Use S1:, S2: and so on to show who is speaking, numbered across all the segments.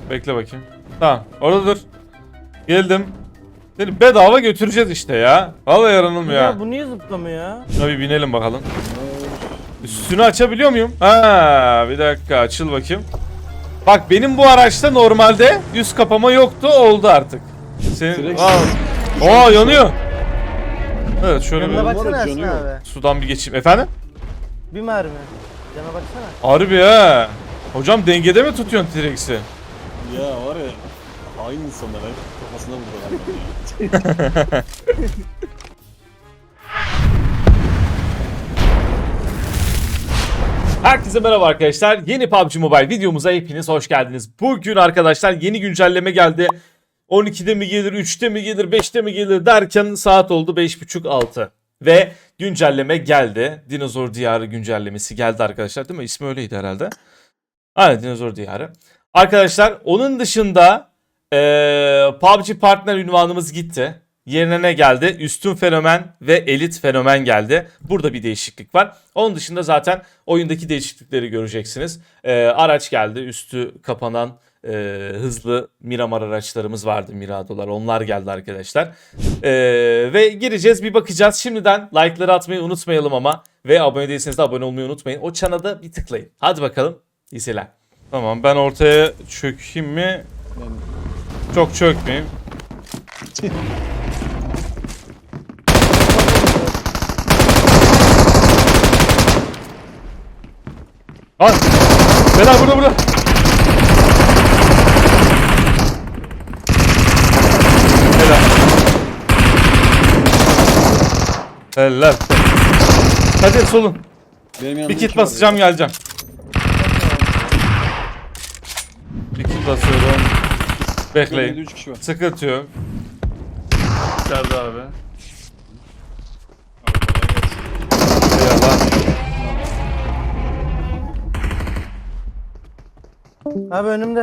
S1: Bekle bakayım. Tamam orada dur. Geldim. Seni bedava götüreceğiz işte ya. Vallahi yaranım ya.
S2: Bu niye zıplamıyor ya?
S1: Şuna bir binelim bakalım. Üstünü açabiliyor muyum? Ha, bir dakika açıl bakayım. Bak benim bu araçta normalde üst kapama yoktu, oldu artık. Senin aa yanıyor. Evet şöyle
S2: Yanına
S1: bir
S2: baksana Ersin
S3: yanıyor.
S2: abi.
S1: sudan bir geçeyim. Efendim?
S2: Bir mermi. Cana baksana.
S1: Harbi ha. Hocam dengede mi tutuyorsun T-Rex'i?
S3: Ya var ya hain insanlar hep kafasına vuruyorlar.
S1: Herkese merhaba arkadaşlar. Yeni PUBG Mobile videomuza hepiniz hoş geldiniz. Bugün arkadaşlar yeni güncelleme geldi. 12'de mi gelir, 3'te mi gelir, 5'te mi gelir derken saat oldu 5.30-6. Ve güncelleme geldi. Dinozor Diyarı güncellemesi geldi arkadaşlar, değil mi? İsmi öyleydi herhalde. Aynen, Dinozor Diyarı. Arkadaşlar onun dışında PUBG Partner ünvanımız gitti. Yerine ne geldi? Üstün Fenomen ve Elit Fenomen geldi. Burada bir değişiklik var. Onun dışında zaten oyundaki değişiklikleri göreceksiniz. Araç geldi. Üstü kapanan hızlı Miramar araçlarımız vardı. Miradolar. Onlar geldi arkadaşlar. Ve gireceğiz, bir bakacağız. Şimdiden like'ları atmayı unutmayalım ama. Ve abone değilseniz de abone olmayı unutmayın. O çana da bir tıklayın. Hadi bakalım. İyi seyirler. Tamam, ben ortaya çökeyim mi? Çok çökmeyeyim. Al. Beyler burada. Helal. Helal. Hadi solun. Bir kit basacağım, geleceğim. Bir kit basıyorum. Bekleyin.
S3: 3 kişi var.
S1: Sıkıntı yok.
S4: İçeride abi.
S1: Eyvallah.
S2: Abi önümde.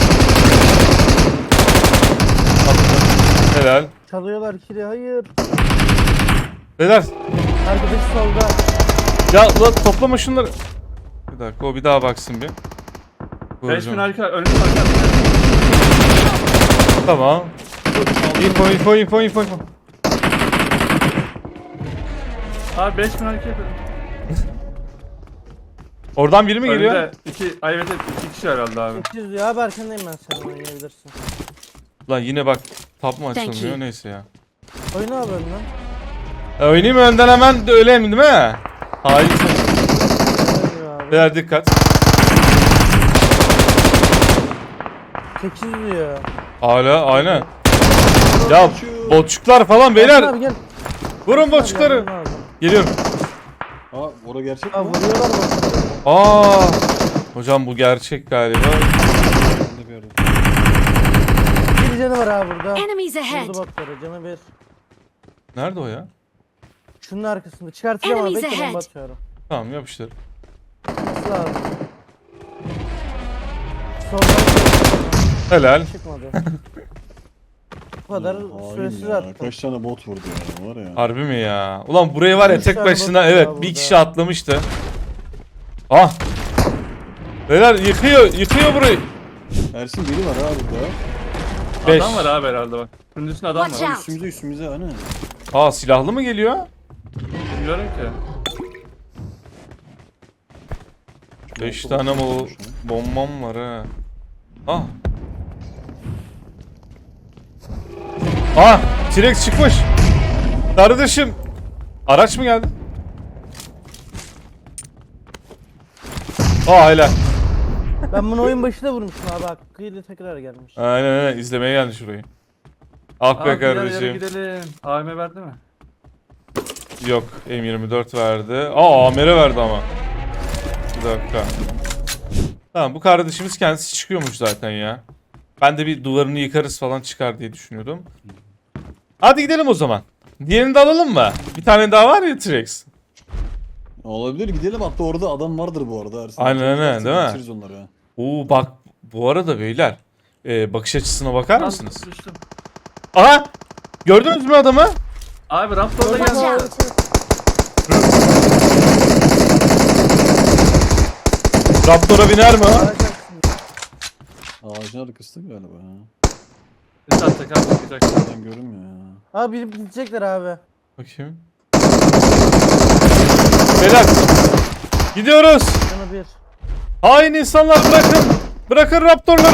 S1: Helal.
S2: Çalıyorlar kili, hayır.
S1: Beyler.
S2: Arkadaş solda.
S1: Ya ulan toplama şunları. Bir dakika, o bir daha baksın bir.
S4: 5000 arka, önümüz arka.
S1: Tamam. Info.
S4: Abi 5000 arka yapıyorum.
S1: Oradan biri mi geliyor?
S4: Önümde evet 2 kişi herhalde abi.
S2: 800 ya abi, arkandayım ben, sen oynayabilirsin.
S1: Lan yine bak, tap mı
S5: Thank
S1: açılmıyor,
S5: you.
S1: neyse ya.
S2: Oyna abi önden.
S1: Oynayayım mı önden hemen de öyle mi, değil mi? Hayır.
S2: Oynuyor abi.
S1: Beyler dikkat.
S2: 800 diyor.
S1: Hala aynen. Ya botçuklar falan
S2: Ersin
S1: beyler.
S2: abi gel.
S1: Vurun botçukları.
S2: Yardım lazım.
S1: Geliyorum.
S3: Aa orada gerçek
S2: Aa,
S3: mi?
S2: vuruyorlar bak.
S1: Aa. Hocam bu gerçek galiba.
S3: Ben de bir yerde.
S2: Bir canı var abi burada.
S5: Enemies ahead!
S2: Vurdu botları, canı bir.
S1: Nerede o ya?
S2: Şunun arkasında çıkartacağım abi,
S5: Enemies
S2: bekle,
S5: ahead.
S2: bomba atıyorum.
S1: Tamam, yapıştır.
S2: Nasıl abi? Soldan
S1: Helal.
S2: çıkmadı. Bu kadar
S3: Hain
S2: süresiz
S3: ya.
S2: attım.
S3: Kaç tane bot vurdu ya var ya.
S1: Harbi mi ya? Ulan buraya var ya,
S2: Üç
S1: tek
S2: tane
S1: başına,
S2: bot var
S1: evet,
S2: burada.
S1: bir kişi atlamıştı. Ah. Beyler yıkıyor burayı.
S3: Ersin biri var ha burada.
S1: Beş.
S4: Adam var abi herhalde bak. Şunun üstünde adam
S5: Watch
S4: var.
S5: out.
S3: Üstümüze hani.
S1: Aa, silahlı mı geliyor?
S4: Bilmiyorum ki.
S1: 5 tane bombam var ha. Ah. Ah, T-Rex çıkmış. Kardeşim. Araç mı geldi? Aa, helal.
S2: Ben bunu oyun başında vurmuştum abi, hakkıyla tekrar gelmiş.
S1: Aynen izlemeye geldi şurayı. Ah be
S4: Abi gel,
S1: kardeşim.
S4: gidelim. AVM verdi mi?
S1: Yok, M24 verdi. Aa, Amer'e verdi ama. Bir dakika. Tamam, bu kardeşimiz kendisi çıkıyormuş zaten ya. Ben de bir duvarını yıkarız falan çıkar diye düşünüyordum. Hadi gidelim o zaman. Diğerini de alalım mı? Bir tane daha var ya, T-Rex.
S3: Olabilir gidelim, hatta orada adam vardır bu arada Ersin.
S1: Aynen, değil mi?
S3: Geçeriz onları ha.
S1: Oo bak, bu arada beyler. Bakış açısına bakar mısınız?
S4: Düştüm.
S1: Aha! Gördünüz mü adamı?
S4: Abi Raptor'da
S5: Watch
S4: geldi.
S5: out!
S1: Raptor'a biner mi o?
S3: Ağacın arkasında galiba ha.
S4: Bir saat tekrar bakacak.
S3: Ben görünmüyor ya.
S2: Abi bilip gidecekler abi.
S1: Bakayım. Beyler. Gidiyoruz.
S2: Canı bir.
S1: Hain insanlar bırakın. Bırakın raptorları.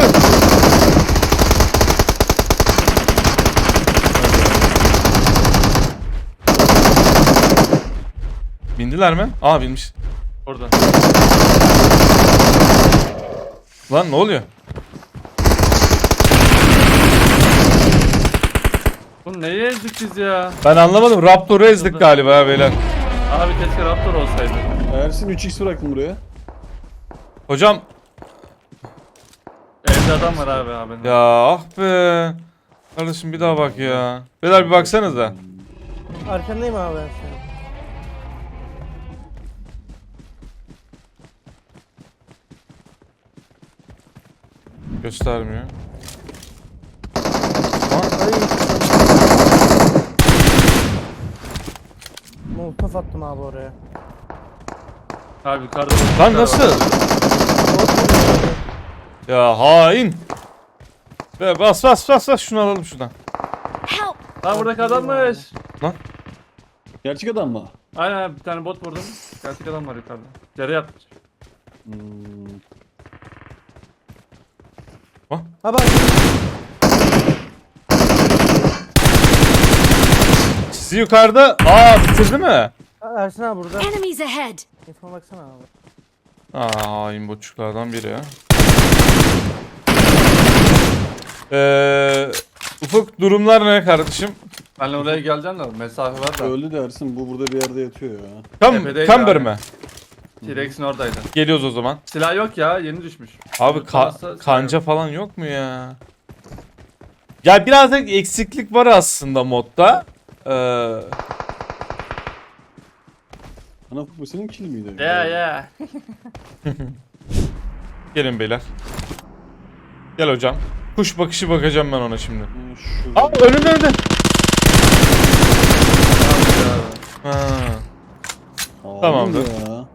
S1: Bindiler mi? Aa binmiş.
S4: Orada.
S1: Lan ne oluyor?
S4: Bunu neye ezdik biz ya?
S1: Ben anlamadım. Raptor'u ezdik galiba ya beyler.
S4: Abi keşke Raptor olsaydı.
S3: Ersin 3x bıraktım buraya.
S1: Hocam
S4: Evde adam var abi.
S1: ya ah be. Kardeşim bir daha bak ya. Beyler bir baksanıza.
S2: Arkandayım abi ben senin.
S1: Göstermiyor.
S2: Ay. Molotof attım abi oraya.
S4: Abi yukarıda.
S1: Lan nasıl? Ya hain. Be bas bas bas bas şunu alalım şuradan.
S5: Help!
S4: Lan buradaki adammış.
S3: Gerçek adam mı?
S4: Aynen bir tane bot vurdum. Gerçek adam var yukarıda. Yere yatmış.
S2: Ha bak.
S1: Sizi yukarıda. Aa bitirdi mi?
S2: Ersin abi burada.
S5: Enemies ahead!
S2: Telefona baksana abi.
S1: Aa hain botçuklardan biri ya. Ufuk durumlar ne kardeşim?
S4: Benle oraya geleceğim de mesafe var da.
S3: Öldü de Ersin, bu burada bir yerde yatıyor ya.
S4: Tepedeydi
S1: Camber
S4: abi.
S1: mi?
S4: T-Rex'in oradaydı.
S1: Geliyoruz o zaman.
S4: Silah yok ya yeni düşmüş.
S1: Abi
S4: Varsa
S1: kanca falan yok mu ya? Ya birazcık eksiklik var aslında modda.
S3: Ana bu senin kill miydi?
S4: Yeah.
S1: Gelin beyler. Gel hocam. Kuş bakışı bakacağım ben ona şimdi.
S3: Şurada.
S1: Aa önünde. Ha.
S3: Aa,
S1: tamamdır.
S3: Ya.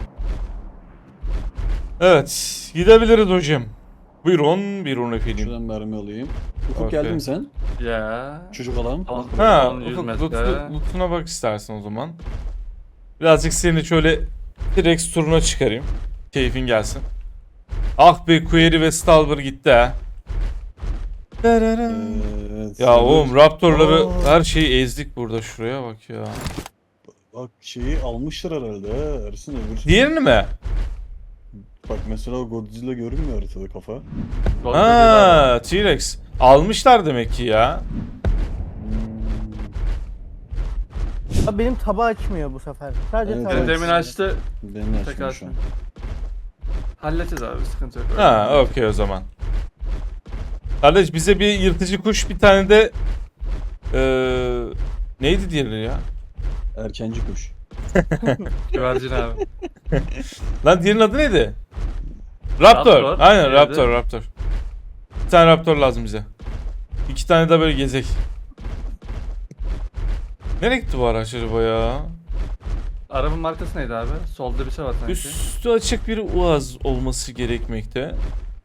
S1: Evet, gidebiliriz hocam. Buyurun efendim.
S3: Şuradan mermi alayım. Ufuk
S1: Okey.
S3: geldin mi sen?
S4: Ya.
S3: Çocuk adam.
S1: Ha,
S4: 100
S1: Ufuk
S4: metre.
S1: lootuna bak istersen o zaman. Birazcık seni şöyle T-Rex turuna çıkarayım. Keyfin gelsin. Ah be Query ve Stalber gitti ha.
S3: Evet.
S1: Ya oğlum Raptor'ları
S3: Aa.
S1: her şeyi ezdik burada, şuraya bak ya.
S3: Bak şeyi almışlar herhalde ha Ersin, öbür.
S1: Diğerini mi?
S3: Bak mesela o Godzilla görünmüyor haritada kafa.
S1: Ha, T-Rex. Almışlar demek ki ya.
S2: Abi benim tabağı açmıyor bu sefer. Sadece
S3: Evet,
S2: tabağı
S3: evet.
S4: Demin açtı.
S3: Benim
S4: Tekrar
S3: açmıyor şu an.
S4: halledeceğiz abi sıkıntı yok.
S1: Ha, okey o zaman. Kardeş bize bir yırtıcı kuş, bir tane de neydi diğeri ya?
S3: Erkenci kuş.
S4: Güvercin abi.
S1: Lan diğerinin adı neydi? Raptor.
S4: Raptor.
S1: Aynen
S4: Diğeri de-
S1: Raptor. Bir tane Raptor lazım bize. 2 tane de böyle gezek. Nereye gitti bu araç acaba ya?
S4: Arabanın markası neydi abi? Solda bir şey var sanki.
S1: Üstü açık bir Uaz olması gerekmekte.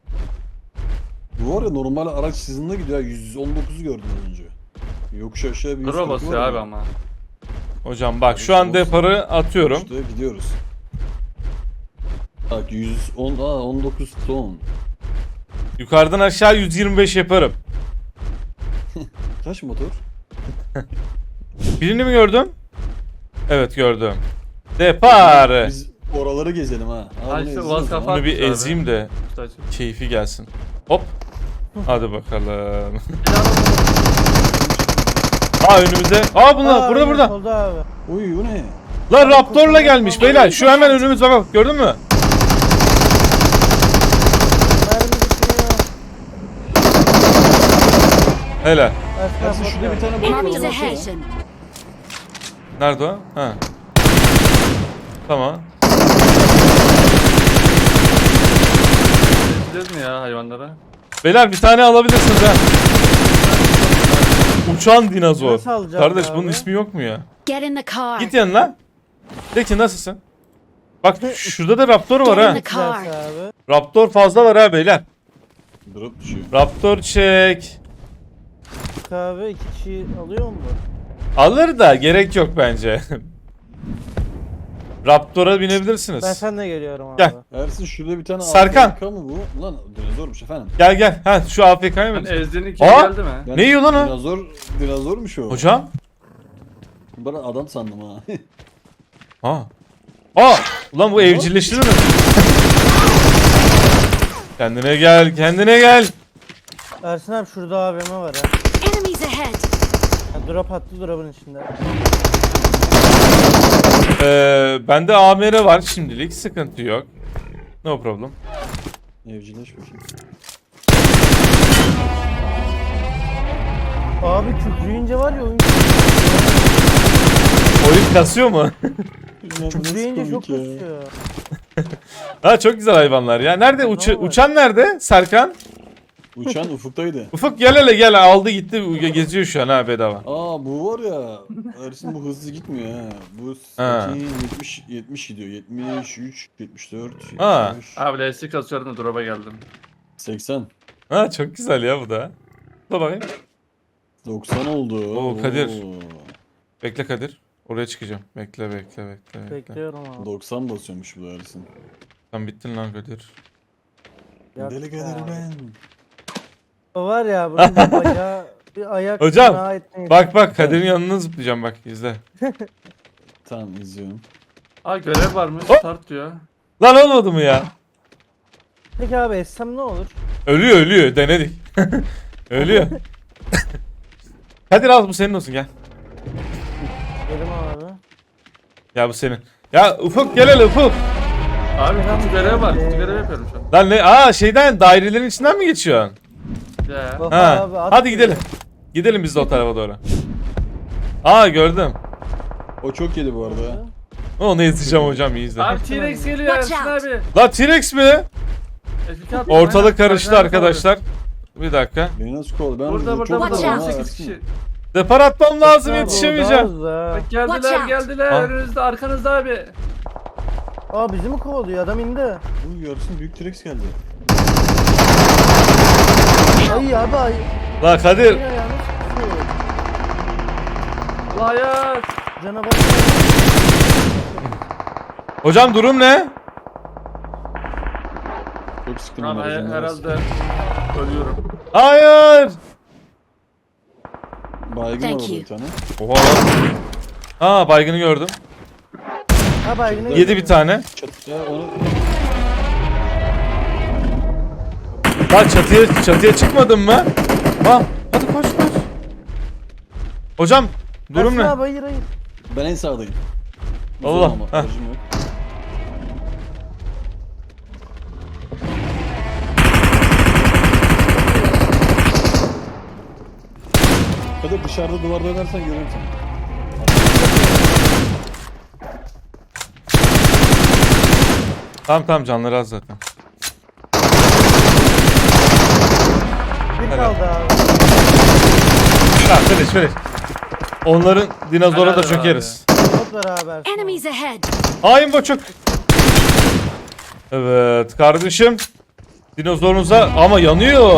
S3: Bu var ya, normal araç hızında gidiyor. 119'u gördüm az önce. Yokuş aşağı bir 140
S4: Dura basıyor
S3: var
S4: abi
S3: ya.
S4: ama.
S1: Hocam bak şu an deparı atıyorum.
S3: İşte gidiyoruz. Bak 110, 19 ton.
S1: Yukarıdan aşağı 125 yaparım.
S3: Kaç motor?
S1: Birini mi gördüm? Evet gördüm. Depar.
S3: Biz oraları gezelim ha.
S4: Ha,
S3: bunu
S4: işte
S3: ezelim
S4: Uaz
S3: o zaman.
S4: kafa-
S1: Bunu bir
S4: Abi.
S1: ezeyim de
S4: Üstü açık.
S1: keyfi gelsin. Hop. Hadi bakalım. Aa önümüzde. Aa bunlar burada
S2: aynen,
S1: burada.
S2: Solda abi.
S3: Uy bu ne?
S1: Lan Raptor'la gelmiş beyler. Şu hemen önümüz bak gördün mü?
S2: Mermi bitmiyor.
S1: Hele.
S3: Ersin şurada bir tane balık
S5: Enemies
S3: var.
S5: ahead!
S3: baksana.
S1: Nerede o? Ha. Tamam.
S4: Geçeceğiz mi ya hayvanlara?
S1: Beyler bir tane alabilirsiniz ha. Uçan dinozor.
S2: Nasıl alacağız
S1: Kardeş bunun
S2: abi?
S1: ismi yok mu ya?
S5: Get in the car!
S1: Git yanına. De ki nasılsın? Bak şurada da Raptor var
S5: Get in
S1: ha.
S5: the car!
S2: Güzelse abi.
S1: Raptor fazla var ha beyler.
S3: Drop düşüyor.
S1: Raptor çek.
S2: Kahve 2 kişi alıyor mu?
S1: Alır da gerek yok bence. Raptor'a binebilirsiniz.
S2: Ben seninle geliyorum abi.
S1: Gel.
S3: Ersin şurada bir tane
S1: Sarkan.
S3: AFK mı bu? Lan dinozormuş efendim.
S1: Gel gel. Ha şu AFK'ya mı?
S4: Ben ezdiğin kim
S1: Aa!
S4: geldi mi?
S3: Ben
S1: Ne yiyor lan o?
S3: Dinozormuş o.
S1: Hocam?
S3: Ben adam sandım ha.
S1: Aa. Aa! Ulan bu evcilleştirir mi? Kendine gel, kendine gel.
S2: Ersin abi şurada AVM var ha.
S5: Enemies ahead!
S2: Ha, drop attı drop'un içinde.
S1: Bende AMR var şimdilik. Sıkıntı yok. No problem.
S3: Evcileş bakayım.
S2: Abi kükreyince var ya oyun.
S1: Oyun kasıyor mu?
S2: Kükreyince çok kasıyor.
S1: Ha çok güzel hayvanlar ya. Nerede uçan nerede? Serkan?
S3: Uçan ufuktaydı.
S1: Ufuk gel hele gel, aldı gitti, geziyor şu an ha bedava.
S3: Aa bu var ya. Ersin bu hızlı gitmiyor ha. Bu
S1: Ha.
S3: 70 gidiyor. 73, 74,
S1: Ha.
S3: 75,
S4: Abi lastik kasıyorum da drop'a geldim.
S3: 80.
S1: Ha çok güzel ya bu da. Dur bakayım.
S3: 90 oldu.
S1: Oo, Kadir. Bekle Kadir. Oraya çıkacağım. Bekle.
S2: Bekliyorum abi.
S3: 90 basıyormuş bu da Ersin.
S1: Sen bittin lan Kadir.
S2: Yok
S3: Deli Kadir
S2: abi.
S3: ben.
S2: O var ya bunun bir bacağı bir ayak
S1: Hocam,
S2: fena etmeyin.
S1: Bak Kadir'in yanına zıplayacağım bak izle.
S3: Tamam izliyorum.
S4: Aa görev varmış.
S1: Hop.
S4: Start diyor.
S1: Lan olmadı mı ya?
S2: Peki abi essem ne olur?
S1: Ölüyor denedik. Ölüyor. Kadir al bu senin olsun gel.
S2: Dedim abi.
S1: Ya bu senin. Ya Ufuk gel hele Ufuk.
S4: Abi kutu görev var. Kutu görev yapıyorum şu an.
S1: Lan ne? Aa şeyden dairelerin içinden mi geçiyorsun?
S4: Ya.
S2: Bak
S1: Ha.
S2: abi, at
S1: Hadi
S2: diyor.
S1: gidelim. Gidelim biz de o tarafa doğru. Aa gördüm.
S3: O çok yedi bu arada.
S1: Onu izleyeceğim hocam iyi izle.
S4: Abi T-Rex geliyor
S5: Watch
S4: Ersin
S5: out.
S4: abi.
S1: La T-Rex mi?
S4: F2 attım,
S1: Ortalık
S4: aynen.
S1: karıştı
S4: Aynen,
S1: arkadaşlar. Bir dakika.
S3: Beni nasıl kovdu? Ben
S4: Burada
S3: çok
S5: Watch
S3: vurdum
S5: out.
S3: ha
S4: 18
S3: Ersin.
S4: kişi.
S1: Depar atmam lazım,
S2: Abi,
S1: yetişemeyeceğim.
S2: o da az
S4: Bak
S2: da.
S4: geldiler
S5: Watch out.
S4: geldiler.
S1: Ha.
S4: Önünüzde arkanızda abi.
S2: Aa bizi mi kovalıyor adam indi.
S3: Bu Ersin büyük T-Rex geldi.
S2: Ay abi ay.
S1: La Kadir.
S2: Yine ayağını sıkıyor.
S4: Allah hayat.
S2: Cana bak.
S1: Hocam durum ne?
S3: Çok sıkıldım.
S4: Abi
S3: aracımda.
S4: herhalde ölüyorum.
S1: Hayır.
S3: Baygın
S5: Thank
S3: var orada
S5: you.
S3: bir tane.
S1: Oha. Aa baygını gördüm.
S2: Ha baygını
S1: Yedi bir tane.
S3: Çatıya onu
S1: Lan çatıya çıkmadın mı? Ha, hadi koş. Hocam durum
S2: Ersin
S1: ne?
S2: abi hayır.
S3: ben en sağdayım.
S1: Allah,
S3: Uzun ama,
S1: heh.
S3: aracım yok. Hadi dışarıda duvarda oynarsan görürüm seni.
S1: Tamam canları az zaten.
S2: Bir kaldı abi.
S1: Ha finish. Onların dinozora da
S4: Helal
S1: çökeriz.
S2: Bot var abi Ersin.
S5: Enemies ahead!
S1: Hain boçuk. Evet kardeşim. Dinozorunuza ama yanıyor.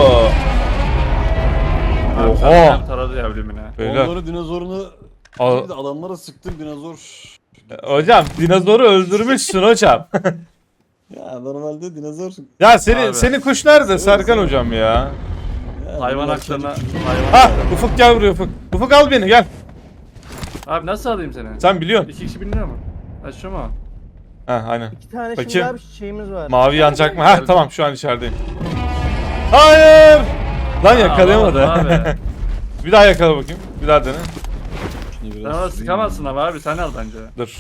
S4: Abi
S1: Oha.
S4: sen taradı yavrum yine.
S1: Beyler.
S3: Onları dinozorunu
S1: Al-
S3: bir de adamlara sıktım dinozor.
S1: Hocam dinozoru öldürmüşsün hocam.
S3: Ya normalde dinozor.
S1: Ya
S4: Abi.
S1: senin kuş nerede Serkan hocam ya?
S3: Ya,
S4: Hayvan
S3: bunlar
S4: haklarına
S3: çocuk-
S4: hayvan.
S1: Ha Ufuk gel buraya Ufuk. Ufuk al beni gel.
S4: Abi nasıl alayım seni?
S1: Sen biliyorsun.
S4: 2 kişi biniyor mu? Ha şu mu?
S1: Ha aynen.
S2: İki tane
S1: Bakayım.
S2: şimdi abi şeyimiz var.
S1: Mavi yanacak mı? Ha tamam şu an içerideyim. Hayır. Lan yakalayamadı.
S4: alamadım abi.
S1: Bir daha yakala bakayım. Bir daha dene.
S3: Şimdi
S4: Sen
S3: biraz
S4: ona
S3: süreyim.
S4: sıkamazsın ama abi sen al bence.
S1: Dur.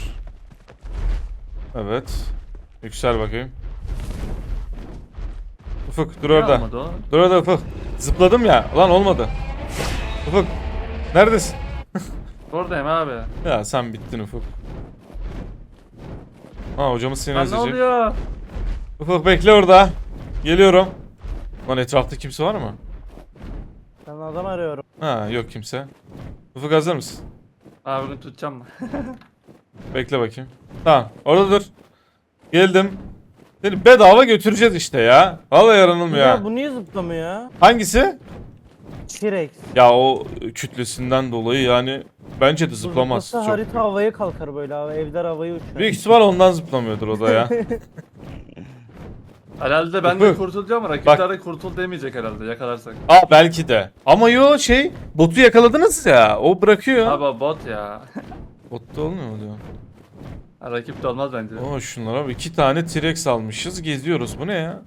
S1: Evet. Yüksel bakayım. Ufuk dur
S4: Ne
S1: orada.
S4: olmadı o?
S1: Dur orada Ufuk. Zıpladım ya. Ulan olmadı. Ufuk. Neredesin?
S4: Oradayım abi.
S1: Ya sen bittin Ufuk. Ha hocamız seni
S4: Lan ne
S1: ezecek.
S4: oluyor?
S1: Ufuk bekle orada. Geliyorum. Lan etrafta kimse var mı?
S2: Ben adam arıyorum.
S1: Ha yok kimse. Ufuk hazır mısın?
S4: Abi bunu tutacağım mı?
S1: Bekle bakayım. Tamam orada dur. Geldim. Seni bedava götüreceğiz işte ya. Vallahi yaranılmıyor
S2: Ya
S1: ya.
S2: bu niye zıplamıyor ya?
S1: Hangisi?
S2: T-Rex.
S1: Ya o kütlesinden dolayı yani bence de
S2: Bu
S1: zıplamaz.
S2: zıplasa
S1: Çok.
S2: harita havaya kalkar böyle abi. Evler havaya uçar.
S1: Büyük ihtimal ondan zıplamıyordur o da ya.
S4: Herhalde ben de
S1: Ufuk.
S4: kurtulacağım ama rakipler de kurtul demeyecek herhalde yakalarsak.
S1: Aa belki de. Ama yo botu yakaladınız ya. O bırakıyor.
S4: Abi o bot ya.
S1: Botta olmuyor mu diyor.
S4: Ha, rakip de olmaz bence.
S1: Oo şunlara bak. 2 tane T-Rex almışız. Geziyoruz. Bu ne ya?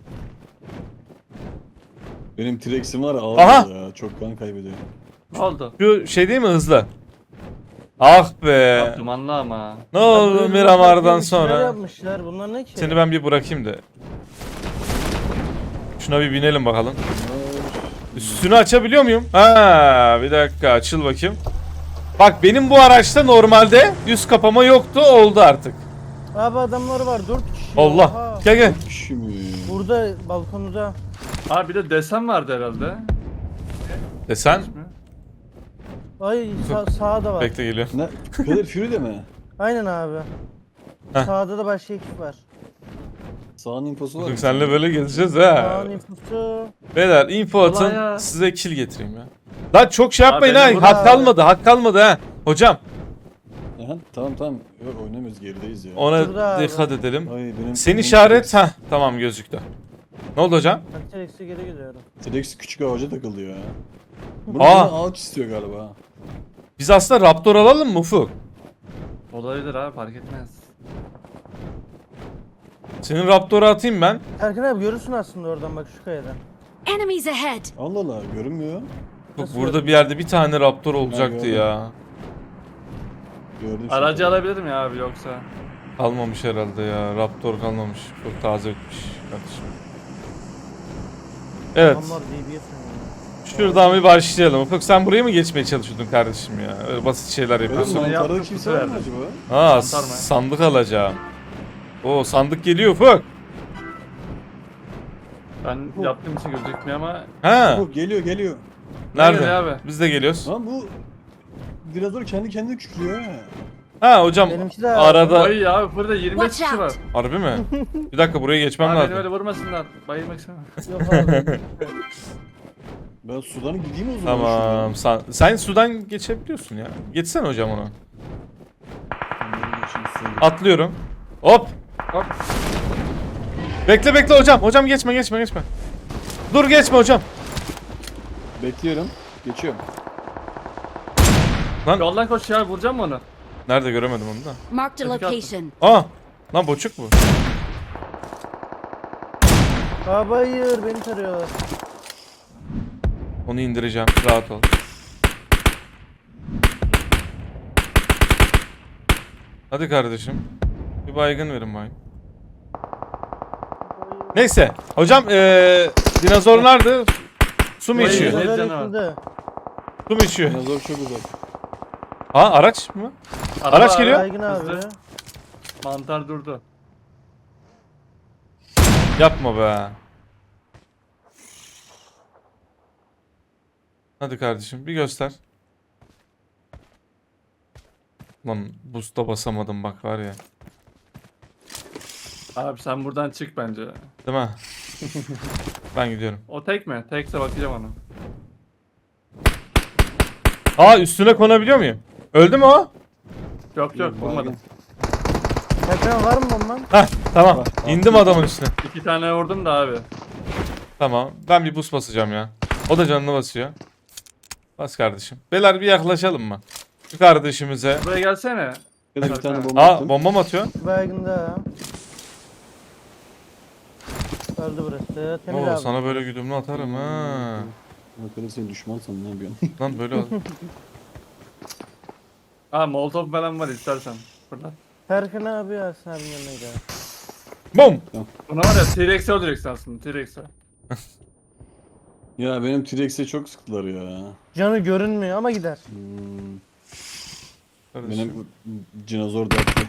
S3: Benim T-Rex'im var ya
S1: Aha!
S3: ağır ya. Çok kan kaybediyor.
S4: Ne oldu?
S1: Şu şey değil mi hızlı? Ah be.
S4: Ya, dumanlı ama.
S1: Ne
S2: Ya
S1: oldu
S2: böyle
S1: Miramar'dan
S2: bir şeyler
S1: sonra?
S2: yapmışlar. Bunlar ne ki?
S1: Seni ben bir bırakayım da. Şuna bir binelim bakalım. Üstünü açabiliyor muyum? Ha, bir dakika açıl bakayım. Bak benim bu araçta normalde üst kapama yoktu, oldu artık.
S2: Abi adamlar var 4 kişi.
S1: Allah.
S2: Oha.
S1: Gel gel.
S3: Kişi mi?
S2: Burada balkonda.
S4: Abi bir de desen vardı herhalde.
S1: Desen.
S2: Ay sağda da var.
S1: Bekle geliyor.
S3: Ne? Kadir Fury'de mi?
S2: Aynen abi.
S1: Heh.
S2: Sağda da başka ekip var.
S3: Sağın infosu var.
S1: Bugün
S3: mı?
S1: seninle böyle gezeceğiz ha.
S2: Sağın infosu.
S1: Beyler info
S4: Ulan
S1: atın
S4: ya.
S1: size kill getireyim ya. Lan çok şey yapmayın
S4: benim
S1: ha.
S4: burada-
S1: Hak kalmadı, hak kalmadı ha. Hocam
S3: Aha, tamam. Yok oynamıyoruz gerideyiz ya.
S1: ona
S2: Şurada abi.
S1: dikkat edelim.
S3: Ay benim
S1: Sen
S3: benim
S1: işaret
S3: T-Rex-
S1: ha tamam gözüktü. Ne oldu hocam?
S2: Ben T-Rex'e geri gidiyorum.
S3: T-Rex küçük ağaca takıldı ya.
S1: Aa!
S3: Bunu ağaç istiyor galiba.
S1: Biz aslında Raptor alalım mı Ufuk?
S4: Olabilir abi fark etmez.
S1: Senin Raptor'u atayım ben.
S2: Erkan abi görürsün aslında oradan bak şu kayadan.
S5: Enemies ahead!
S3: Allah Allah görünmüyor.
S1: Bak
S2: Nasıl
S1: burada bir yerde bir tane Raptor olacaktı
S3: gördüm.
S1: ya.
S3: Gördüm şimdi.
S4: Aracı alabilirim ya abi yoksa.
S1: Kalmamış herhalde ya. Raptor kalmamış. Çok taze bitmiş kardeşim. Evet.
S2: Adamlar DB'ye sanıyor.
S1: Şuradan bir başlayalım. Ufuk sen buraya mı geçmeye çalışıyordun kardeşim ya? Öyle basit şeyler
S3: Benim
S1: yapıyorsun.
S4: Bunu
S3: mantarda
S4: yaptık,
S3: kimse
S4: bu
S3: var mı
S4: sefer.
S3: acaba?
S1: Aa
S4: Mantar mı?
S1: sandık alacağım. Oo sandık geliyor Ufuk.
S4: Ben yaptığım için gözükmüyor ama.
S1: Ha
S3: Yok geliyor.
S4: geliyor
S1: nerede?
S4: abi?
S1: Biz de geliyoruz.
S3: Lan bu dinozor kendi kendine kükrüyor ha.
S1: Ha hocam
S2: Benimki de
S1: arada
S4: Ay abi burada 25
S5: Watch
S4: kişi var.
S5: out.
S1: harbi mi? Bir dakika buraya geçmem
S4: Abi beni
S1: lazım.
S4: öyle vurmasınlar. Bayılmak istemem.
S2: Yok abi.
S3: Ben sudan gideyim o zaman.
S1: Tamam. Sen sudan geçebiliyorsun ya. Geçsene hocam onu. Atlıyorum. Hop.
S4: Hop.
S1: Bekle hocam. Hocam geçme. Dur geçme hocam.
S3: Bekliyorum. Geçiyorum.
S4: Yoldan koş ya vuracağım mı onu?
S1: Nerede göremedim onu da.
S5: Marked a
S4: Hadi kalk.
S5: location.
S1: Aa. Lan boçuk bu.
S2: Abi hayır beni tarıyorlar.
S1: Onu indireceğim. Rahat ol. Hadi kardeşim. Bir baygın verin bayım. Neyse. Hocam dinozor nerede? Su mu
S4: Hayır,
S1: içiyor?
S4: hayır.
S2: Dinozor
S4: canım.
S2: yıkıldı.
S1: Su mu içiyor?
S3: Dinozor çok uzak.
S1: Ha araç mı?
S4: Araba
S1: Araç
S4: abi,
S1: geliyor.
S2: Baygın abi.
S4: hızlı. Mantar durdu.
S1: Yapma be. Hadi kardeşim bir göster. Lan boost'a basamadım bak var ya.
S4: Abi sen buradan çık bence.
S1: Değil mi? Ben gidiyorum.
S4: O tek mi? Tekse bakacağım ona.
S1: Aa üstüne konabiliyor muyum? Öldü mü o?
S4: Yok vurmadım.
S2: Erkan var mı bomban?
S1: Heh tamam.
S3: Var.
S1: İndim adamın üstüne.
S4: 2 tane vurdum da abi.
S1: Tamam. Ben bir boost basacağım ya. O da canını basıyor. Bas kardeşim. Beyler bir yaklaşalım mı? Şu kardeşimize.
S4: Buraya gelsene.
S3: Ya da bir tane bomba
S1: Aa
S3: attım.
S1: bomba mı atıyor?
S2: Baygın da. Öldü burası. Temiz
S1: Oo
S2: abi.
S1: sana böyle güdümlü atarım ha.
S3: Ne kadar sen düşman sanın ne yapıyorsun?
S1: Lan böyle ol.
S4: Aa molotov falan var istersen. Burada.
S2: Erkan abi Ersin abinin yanına gidelim.
S1: Bum.
S4: Buna var ya T-Rex'e öldüreceksin aslında T-Rex'e.
S3: Ya benim T-Rex'e çok sıktılar ya.
S2: Canı görünmüyor ama gider.
S1: Kardeşim.
S3: Benim dinozor dertli.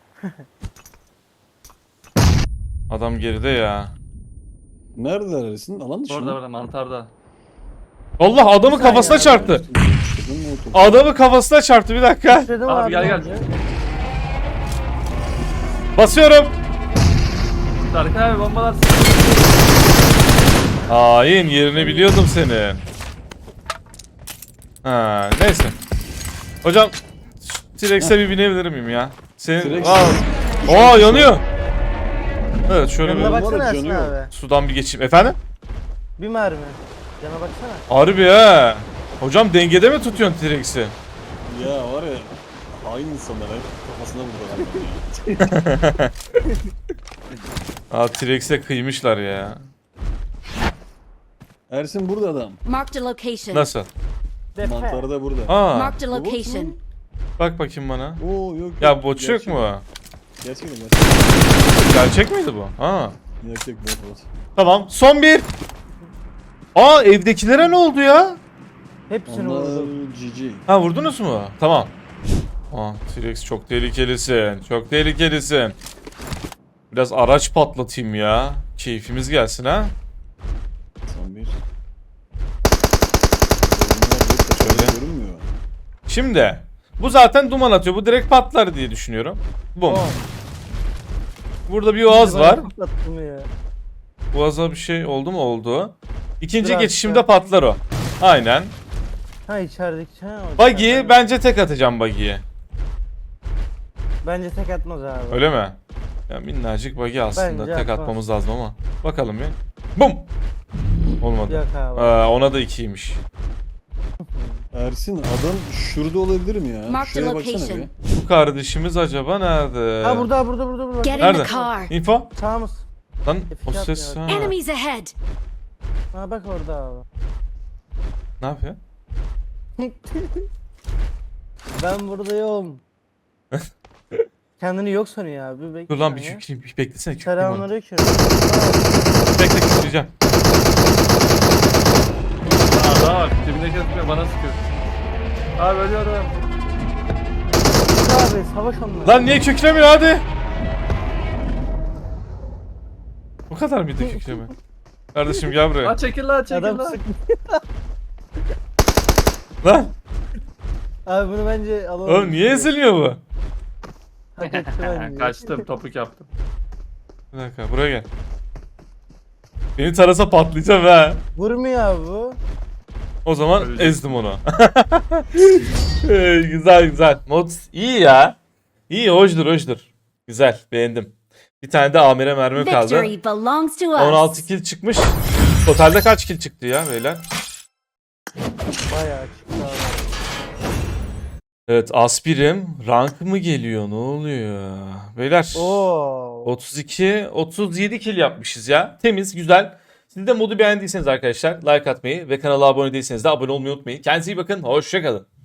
S1: Adam geride ya.
S3: Neredeler Ersin? Alan dışı
S4: Orada
S3: mı?
S4: burada mantarda.
S1: Allah adamı
S2: saniye
S1: kafasına
S2: abi.
S1: çarptı.
S3: Çıktın mı o topu?
S1: Adamı kafasına çarptı bir dakika.
S2: Dedim
S4: Abi gel, gel.
S2: bence.
S1: Basıyorum.
S4: Serkan abi bombalar.
S1: Hain, yerini biliyordum senin. Ha, neyse. Hocam T-Rex'e bir binebilir miyim ya? Senin...
S3: T-Rex-
S1: Aa yanıyor. Evet şöyle
S2: Yanına
S1: bir
S2: baksana
S3: Var ya,
S2: Ersin
S3: canı
S2: abi.
S1: sudan bir geçeyim. Efendim?
S2: Bir mermi. Yana baksana.
S1: Harbi ha. Hocam dengede mi tutuyorsun T-Rex'i?
S3: Ya var ya hain insanlar hep kafasına vurdular.
S1: Aa T-Rex'e kıymışlar ya.
S3: Ersin burada adam.
S5: Marked a location.
S1: Nasıl?
S2: Depe.
S3: Mantarı da burada.
S1: Aa
S5: Marked a location.
S1: bak bakayım bana.
S3: Oo yok.
S1: Ya boçuk
S3: Gerçek.
S1: mu?
S3: Gerçek mi?
S1: Gerçek miydi bu? Aa.
S3: Gerçek bot bot.
S1: Tamam son bir. Aa evdekilere ne oldu ya?
S2: Hepsini
S3: Onlar
S2: vurdum.
S3: GG.
S1: Ha vurdunuz mu? Tamam. Aa T-Rex çok tehlikelisin. Çok tehlikelisin. Biraz araç patlatayım ya. Keyfimiz gelsin ha.
S3: Son bir.
S1: Şöyle.
S3: Görünmüyor.
S1: Şimdi bu zaten duman atıyor. Bu direkt patlar diye düşünüyorum. Bum.
S2: Oh.
S1: Burada bir oğaz var.
S2: Patlattım ya.
S1: Boğaza bir şey oldu mu? Oldu. İkinci
S2: Biraz
S1: geçişimde
S2: daha.
S1: patlar o. Aynen.
S2: Ha içerideki. Ha, o
S1: Buggy
S2: içeriden.
S1: bence tek atacağım Buggy'ye.
S2: Bence tek atmaz abi.
S1: Öyle mi? Ya minnacık Buggy aslında
S2: Bence
S1: tek
S2: atmaz.
S1: atmamız lazım ama. Bakalım bir. Bum. Olmadı.
S2: Yok abi.
S1: Ona da 2'ymiş.
S3: Ersin adam şurada olabilir mi ya?
S5: Mark the
S3: Şuraya baksana
S5: location.
S3: bir.
S1: Bu kardeşimiz acaba nerede?
S2: Ha burada.
S5: Get in
S1: Nerede?
S5: the car.
S1: Info?
S2: Sağımız.
S1: Lan o
S2: F2
S1: ses ha.
S2: atmıyor.
S5: Enemies ahead.
S2: Ha bak orada abi.
S1: Ne yapıyor?
S2: Ben buradayım. Kendini yok sanıyor abi. Bekle
S1: Dur lan bir
S2: ya.
S1: kükreyim. Bir beklesene kükreyim onu.
S2: Selamünaleyküm.
S1: Bekle kükreyeceğim.
S4: Aa daha bak dibindeki sıkıyor bana sıkıyor. Abi ölüyorum.
S2: Abi savaş onunla.
S1: Lan niye kükremiyor hadi? Bu kadar mıydı kükreme? Kardeşim gel buraya.
S4: Lan çekil lan çekil
S2: Adam
S4: lan.
S2: sık.
S1: Lan
S2: Abi bunu bence alalım.
S1: oğlum niye ezilmiyor bu?
S2: Hak etti bence.
S4: Kaçtım topuk yaptım.
S1: Bir dakika buraya gel. Beni tarasa patlayacağım ha.
S2: Vurmuyor abi bu.
S1: O zaman
S4: Öleceğim.
S1: ezdim onu. Güzel. Mod iyi ya. İyi hoşdur. Güzel beğendim. Bir tane de amire mermi kaldı.
S5: Victory belongs to us.
S1: 16 kill çıkmış. Totalde kaç kill çıktı ya beyler?
S2: Bayağı çıktı abi.
S1: Evet aspirim. Rank mı geliyor? Ne oluyor? Beyler
S2: Oo.
S1: 37 kill yapmışız ya. Temiz, güzel. Siz de modu beğendiyseniz arkadaşlar like atmayı ve kanala abone değilseniz de abone olmayı unutmayın. Kendinize iyi bakın. Hoşça kalın.